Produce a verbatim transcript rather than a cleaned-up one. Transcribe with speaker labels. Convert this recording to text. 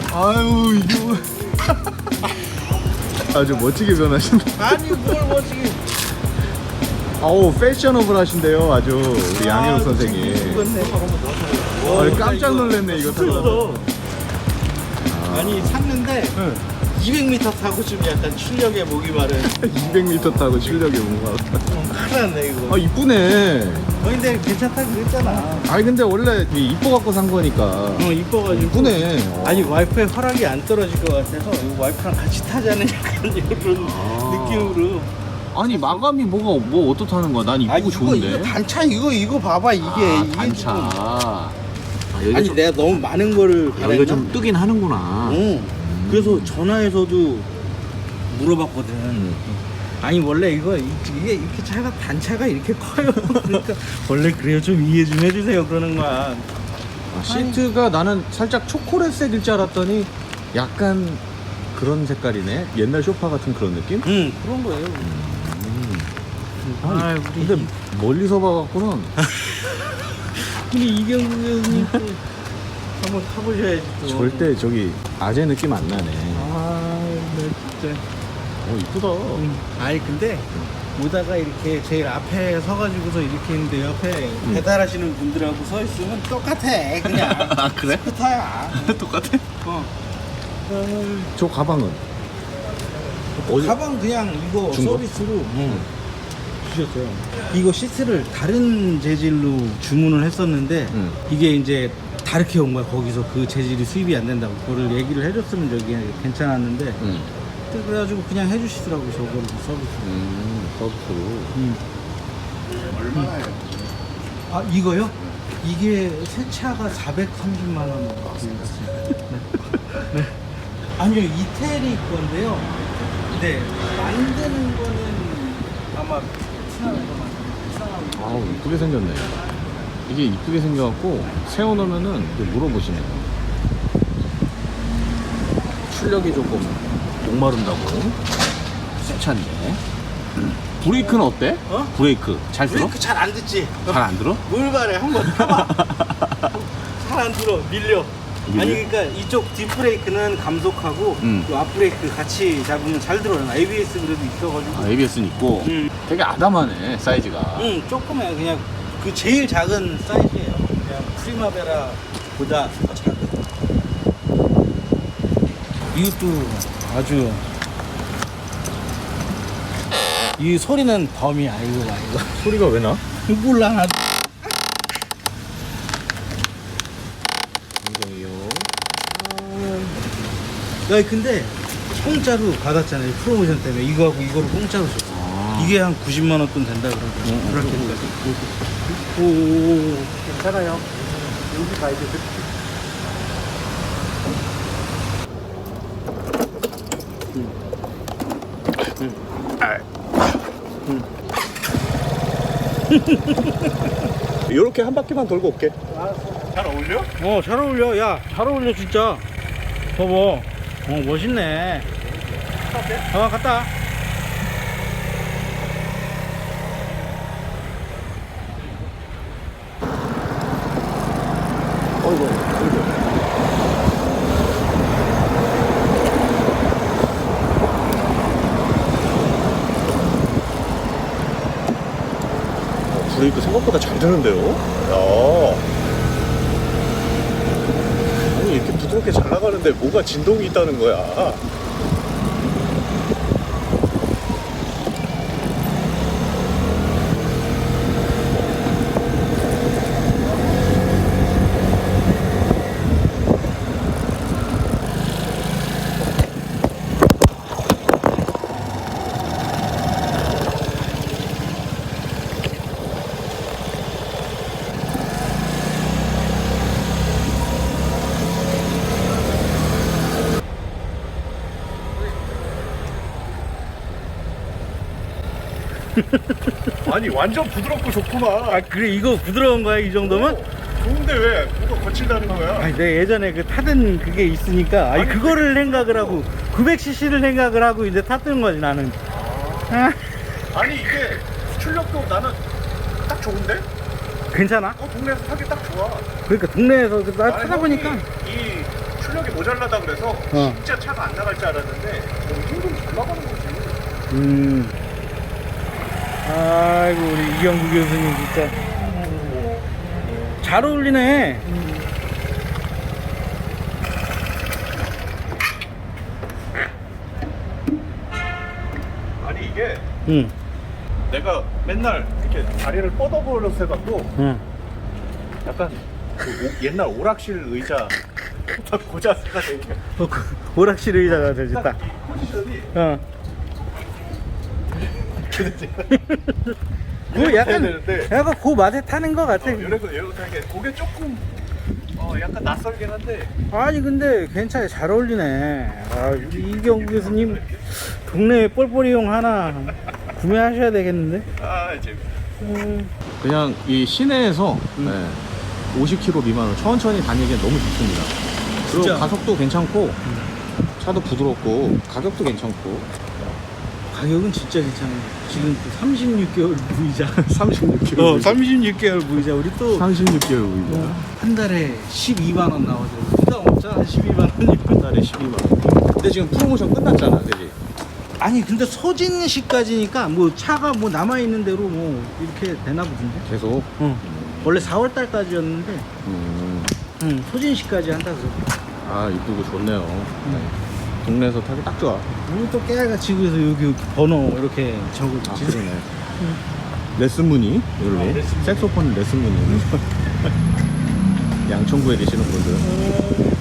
Speaker 1: 아유 이거 아주 멋지게 변하신다.
Speaker 2: 아니 뭘 멋지게.
Speaker 1: 아우 패셔너블 하신데요 아주 우리 양현우 선생님.
Speaker 2: 죽었네.
Speaker 1: 아, 깜짝 놀랐네 이거 타고.
Speaker 2: 아니 샀는데
Speaker 1: 응.
Speaker 2: 이백 미터 타고 좀 약간 출력에 목이 마른.
Speaker 1: 이백 미터 타고 실력이 뭔가.
Speaker 2: 큰일 났네 이거.
Speaker 1: 아 이쁘네.
Speaker 2: 어 근데 괜찮다 그랬잖아.
Speaker 1: 아니 근데 원래 이뻐 갖고 산 거니까.
Speaker 2: 어 이뻐가지고.
Speaker 1: 이쁘네. 어.
Speaker 2: 아니 와이프의 허락이 안 떨어질 것 같아서 이거 와이프랑 같이 타자는 약간 이런
Speaker 1: 아.
Speaker 2: 느낌으로.
Speaker 1: 아니 마감이 뭐가 뭐 어떻다는 거야? 난 이쁘고
Speaker 2: 아 이거
Speaker 1: 좋은데.
Speaker 2: 이거 단차 이거 이거 봐봐 이게
Speaker 1: 아,
Speaker 2: 이게
Speaker 1: 단차.
Speaker 2: 지금.
Speaker 1: 아, 여기가
Speaker 2: 아니
Speaker 1: 좀,
Speaker 2: 내가 너무 많은 거를
Speaker 1: 여기가
Speaker 2: 바랬나?
Speaker 1: 좀 뜨긴 하는구나.
Speaker 2: 응. 그래서 전화해서도 물어봤거든.
Speaker 1: 음.
Speaker 2: 아니 원래 이거 이- 이게 이렇게 차가 단차가 이렇게 커요. 그러니까 원래 그래요 좀 이해 좀 해주세요 그러는 거야.
Speaker 1: 아, 시트가 나는 살짝 초콜릿색일 줄 알았더니 약간 그런 색깔이네. 옛날 소파 같은 그런 느낌?
Speaker 2: 응 그런 거예요.
Speaker 1: 아니,
Speaker 2: 아 우리
Speaker 1: 근데 멀리서 봐갖고는
Speaker 2: 우리 이경수 형님 또 한번 타보셔야지 또.
Speaker 1: 절대 저기 아재 느낌 안 나네.
Speaker 2: 아, 네 진짜.
Speaker 1: 어 이쁘다.
Speaker 2: 응. 아니 근데 오다가 이렇게 제일 앞에 서가지고서 이렇게 있는데 옆에 배달하시는 분들하고 서 있으면 똑같아 그냥.
Speaker 1: 아 그래?
Speaker 2: 스타야.
Speaker 1: 똑같아?
Speaker 2: 어.
Speaker 1: 저 가방은? 어디?
Speaker 2: 가방 그냥 이거
Speaker 1: 준 거?
Speaker 2: 서비스로 주셨어요. 이거 시트를 다른 재질로 주문을 했었는데
Speaker 1: 응.
Speaker 2: 이게 이제 다르게 온 거야. 거기서 그 재질이 수입이 안 된다고 그거를 얘기를 해줬으면 저기 괜찮았는데
Speaker 1: 응.
Speaker 2: 그래가지고 그냥 해주시더라고 저거를 서비스.
Speaker 1: 음 서비스로.
Speaker 2: 음. 얼마예요? 아 이거요? 이게 새 차가 사백삼십만 원 나왔습니다. 네. 아니요 이태리 건데요. 네 만드는 거는 아마 베트남에서 만든
Speaker 1: 아우 이쁘게 생겼네. 이게 이쁘게 생겨갖고 세워놓으면은 이제 물어보시네요. 출력이 조금 목마른다고. 새 차인데. 브레이크는 어때?
Speaker 2: 어?
Speaker 1: 브레이크 잘 들어?
Speaker 2: 브레이크 잘 안 듣지?
Speaker 1: 잘 안 들어?
Speaker 2: 뭘 바래 한번 타봐. 잘 안 들어 밀려.
Speaker 1: 밀려?
Speaker 2: 아니 그러니까 이쪽 뒷브레이크는 감속하고
Speaker 1: 음.
Speaker 2: 이 앞브레이크 같이 잡으면 잘 들어요. 에이비에스 그래도 있어가지고.
Speaker 1: 아, 에이비에스는 있고
Speaker 2: 음.
Speaker 1: 되게 아담하네 사이즈가.
Speaker 2: 응 조금해 그냥 그 제일 작은 사이즈예요. 그냥 프리마베라보다 더 작은. 이것도 아주 이 소리는 범이 아이고 아이고.
Speaker 1: 소리가 왜 나?
Speaker 2: 몰라 나도.
Speaker 1: 이거요.
Speaker 2: 야 근데 공짜로 받았잖아요 프로모션 때문에 이거하고 이거를 공짜로 줬어.
Speaker 1: 아.
Speaker 2: 이게 한 구십만 원 돈 된다 그러더라고. 브라켓까지. 오오오 괜찮아요. 여기 가야 돼.
Speaker 1: 이렇게 한 바퀴만 돌고 올게.
Speaker 2: 잘 어울려? 어, 잘 어울려. 야, 잘 어울려, 진짜. 봐봐. 어, 멋있네. 어, 갔다. 와.
Speaker 1: 어이구, 어이구. 브레이크 생각보다 잘 되는데요? 야. 아니 이렇게 부드럽게 잘 나가는데 뭐가 진동이 있다는 거야? 아니 완전 부드럽고 좋구만.
Speaker 2: 아, 그래, 이거 부드러운 거야, 이 정도면?
Speaker 1: 좋은데 왜 뭐가 거칠다는 거야?
Speaker 2: 아니, 내가 예전에 그 타던 그게 있으니까, 아니,
Speaker 1: 아니,
Speaker 2: 그거를 생각을 하고, 구백 씨씨를 생각을 하고 이제 탔던 거지, 나는. 아,
Speaker 1: 아니 이게 출력도 나는 딱 좋은데?
Speaker 2: 괜찮아?
Speaker 1: 어 동네에서 타기 딱 좋아.
Speaker 2: 그러니까 동네에서 나
Speaker 1: 나는
Speaker 2: 타다 보니까.
Speaker 1: 형이 이 출력 출력이 모자라다 그래서
Speaker 2: 어.
Speaker 1: 진짜 차가 안 나갈 줄 알았는데 엄청 잘 나가는 거지.
Speaker 2: 음. 아이고 우리 이경구 교수님 진짜 잘 어울리네.
Speaker 1: 아니 이게
Speaker 2: 응.
Speaker 1: 내가 맨날 이렇게 다리를 뻗어버려서 해갖고
Speaker 2: 응.
Speaker 1: 약간 그 오- 옛날 오락실 의자 딱 고자세가 되게
Speaker 2: 어, 그 오락실 의자가 되겠다.
Speaker 1: 딱 이 포지션이
Speaker 2: 어. 그
Speaker 1: 이렇게
Speaker 2: 약간
Speaker 1: 돼야 되는데
Speaker 2: 약간 그 맛에 타는 것 같아.
Speaker 1: 어, 이래서 이래서 이게 고개 조금 어 약간 낯설긴 한데
Speaker 2: 아니 근데 괜찮아, 잘 어울리네. 아, 우리 이경구 교수님 동네 뻘뻘이용 하나 구매하셔야 되겠는데?
Speaker 1: 아 재밌.
Speaker 2: 음.
Speaker 1: 그냥 이 시내에서
Speaker 2: 음.
Speaker 1: 네, 오십 킬로미터 미만으로 천천히 다니기엔 너무 좋습니다. 그리고
Speaker 2: 진짜.
Speaker 1: 가속도 괜찮고 차도 부드럽고 가격도 괜찮고
Speaker 2: 가격은 진짜 괜찮아. 지금 삼십육 개월 무이자.
Speaker 1: 삼십육 킬로미터
Speaker 2: 어, 삼십육 개월 무이자. 우리 또 한
Speaker 1: 삼십육 개월 우리가
Speaker 2: 달에 십이만 원 나오죠. 부담 없잖아, 십이만 원이면.
Speaker 1: 한 달에 십이만 원. 근데 지금 프로모션 끝났잖아, 그지?
Speaker 2: 아니 근데 소진시까지니까 뭐 차가 뭐 남아 있는 대로 뭐 이렇게 되나 보던데.
Speaker 1: 계속.
Speaker 2: 어. 원래 사월 달까지였는데,
Speaker 1: 음,
Speaker 2: 응, 소진시까지 한다 그래.
Speaker 1: 아 이쁘고 좋네요. 네. 동네에서 타기 딱 좋아.
Speaker 2: 우리 또 깨알같이 그래서 여기 번호 이렇게 적을
Speaker 1: 아
Speaker 2: 지
Speaker 1: 그러네. 레슨 무늬 이걸로
Speaker 2: 어, 레슨 무늬.
Speaker 1: 색소폰 레슨 무늬. 양천구에 계시는 분들.